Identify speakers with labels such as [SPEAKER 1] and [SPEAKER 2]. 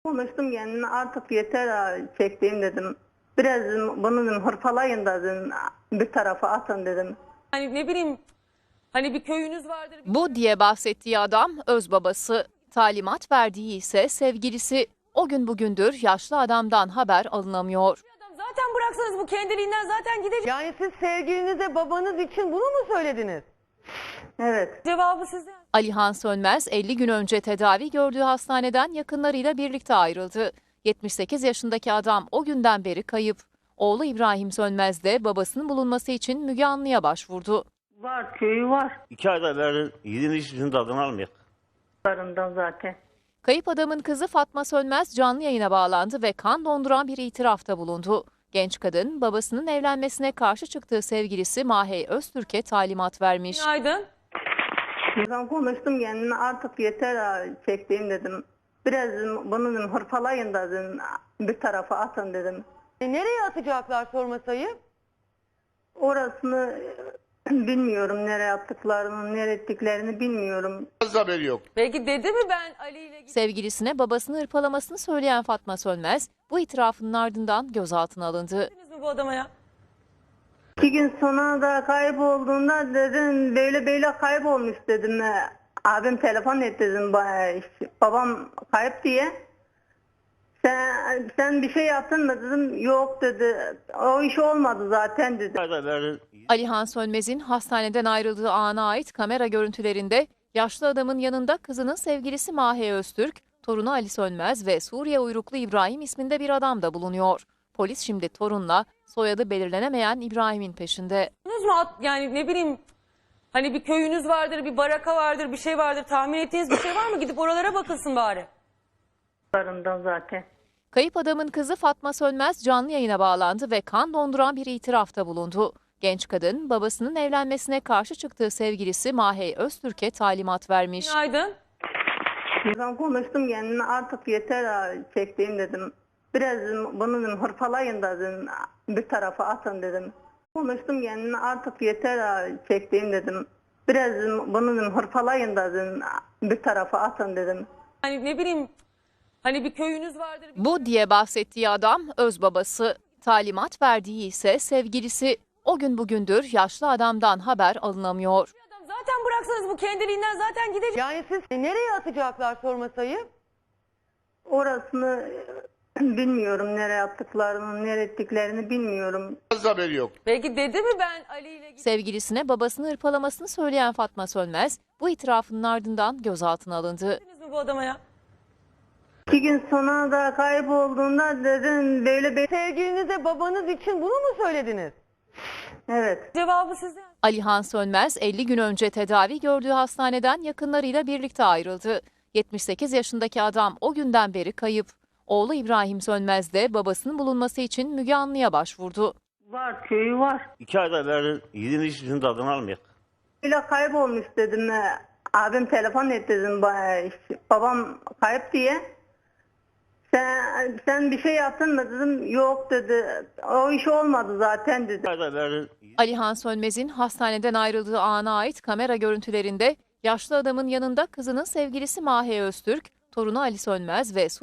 [SPEAKER 1] Konuştum kendime, artık yeter ha, çektiğim dedim. Biraz bunu dedim, hırpalayın da dedim, bir tarafa atın dedim.
[SPEAKER 2] Hani ne bileyim, hani bir köyünüz vardır.
[SPEAKER 3] Bu diye bahsettiği adam öz babası. Talimat verdiği ise sevgilisi. O gün bugündür yaşlı adamdan haber alınamıyor.
[SPEAKER 2] Adam zaten bıraksanız bu kendiliğinden zaten gidecek.
[SPEAKER 4] Yani siz sevgilinize babanız için bunu mu söylediniz?
[SPEAKER 1] Evet.
[SPEAKER 2] Cevabı sizde.
[SPEAKER 3] Alihan Sönmez 50 gün önce tedavi gördüğü hastaneden yakınlarıyla birlikte ayrıldı. 78 yaşındaki adam o günden beri kayıp. Oğlu İbrahim Sönmez de babasının bulunması için Müge Anlı'ya başvurdu.
[SPEAKER 1] Var, köyü var.
[SPEAKER 5] 2 ayda beri yediğin içkisinin tadını almıyor.
[SPEAKER 1] Barından zaten.
[SPEAKER 3] Kayıp adamın kızı Fatma Sönmez canlı yayına bağlandı ve kan donduran bir itirafta bulundu. Genç kadın babasının evlenmesine karşı çıktığı sevgilisi Mahey Öztürk'e talimat vermiş.
[SPEAKER 2] Günaydın.
[SPEAKER 1] Ben konuştum kendime, artık yeter ha, çektiğim dedim. Biraz bunu dedim, hırpalayın da dedim, bir tarafa atın dedim.
[SPEAKER 4] Nereye atacaklar sorması ayıp?
[SPEAKER 1] Orasını bilmiyorum, nereye attıklarını, nereye ettiklerini bilmiyorum.
[SPEAKER 6] Haberi yok.
[SPEAKER 2] Belki dedi mi ben Ali ile gidip
[SPEAKER 3] Sevgilisine babasını hırpalamasını söyleyen Fatma Sönmez bu itirafının ardından gözaltına alındı.
[SPEAKER 2] gittiniz mi bu adama ya?
[SPEAKER 1] 2 gün sonra da kaybolduğunda dedim, böyle kaybolmuş dedim. Abim telefon etti dedim, babam kayıp diye. Sen bir şey yaptın mı dedim, yok dedi, o iş olmadı zaten dedi.
[SPEAKER 5] 2 ayda beri
[SPEAKER 3] Alihan Sönmez'in hastaneden ayrıldığı ana ait kamera görüntülerinde yaşlı adamın yanında kızının sevgilisi Mahey Öztürk, torunu Ali Sönmez ve Suriye uyruklu İbrahim isminde bir adam da bulunuyor. Polis şimdi torunla soyadı belirlenemeyen İbrahim'in peşinde.
[SPEAKER 2] Buldunuz mu? Yani ne bileyim, hani bir köyünüz vardır, bir baraka vardır, bir şey vardır. Tahmin ettiğiniz bir şey var mı? Gidip oralara bakılsın bari.
[SPEAKER 1] Barından zaten.
[SPEAKER 3] Kayıp adamın kızı Fatma Sönmez canlı yayına bağlandı ve kan donduran bir itirafta bulundu. Genç kadın babasının evlenmesine karşı çıktığı sevgilisi Mahey Öztürk'e talimat vermiş.
[SPEAKER 2] Günaydın.
[SPEAKER 1] Ben konuştum kendime, artık yeter ha, çektiğim dedim. Biraz bunu dedim, hırpalayın da dedim, bir tarafa atın dedim. Konuştum kendime, artık yeter ha, çektiğim dedim. Biraz bunu dedim, hırpalayın da dedim, bir tarafa atın dedim.
[SPEAKER 2] Hani ne bileyim, hani bir köyünüz vardır.
[SPEAKER 3] Bu diye bahsettiği adam öz babası. Talimat verdiği ise sevgilisi. O gün bugündür yaşlı adamdan haber alınamıyor.
[SPEAKER 2] Adam zaten bıraksanız bu kendiliğinden zaten gidecek.
[SPEAKER 4] Yani siz nereye atacaklar sorması ayıp?
[SPEAKER 1] Orasını bilmiyorum, nereye attıklarını, nereye ettiklerini bilmiyorum.
[SPEAKER 6] Haberi yok.
[SPEAKER 2] Belki dedi mi ben Ali ile gidip
[SPEAKER 3] Sevgilisine babasını hırpalamasını söyleyen Fatma Sönmez bu itirafının ardından gözaltına alındı.
[SPEAKER 2] gittiniz mi bu adama ya?
[SPEAKER 1] 2 gün sonra da kaybolduğunda dedim, böyle.
[SPEAKER 4] Sevgilinize babanız için bunu mu söylediniz?
[SPEAKER 1] Evet.
[SPEAKER 2] Cevabı sizde.
[SPEAKER 3] Alihan Sönmez 50 gün önce tedavi gördüğü hastaneden yakınlarıyla birlikte ayrıldı. 78 yaşındaki adam o günden beri kayıp. Oğlu İbrahim Sönmez de babasının bulunması için Müge Anlı'ya başvurdu.
[SPEAKER 1] Var, köyü var.
[SPEAKER 5] 2 ayda beri yediğin içkisinin tadını almıyor.
[SPEAKER 1] Böyle kaybolmuş dedim. Abim telefon etti dedim, babam kayıp diye. Sen bir şey yaptın mı dedim, yok dedi, o iş olmadı zaten dedi.
[SPEAKER 5] 2 ayda beri
[SPEAKER 3] Alihan Sönmez'in hastaneden ayrıldığı ana ait kamera görüntülerinde yaşlı adamın yanında kızının sevgilisi Mahey Öztürk, torunu Ali Sönmez ve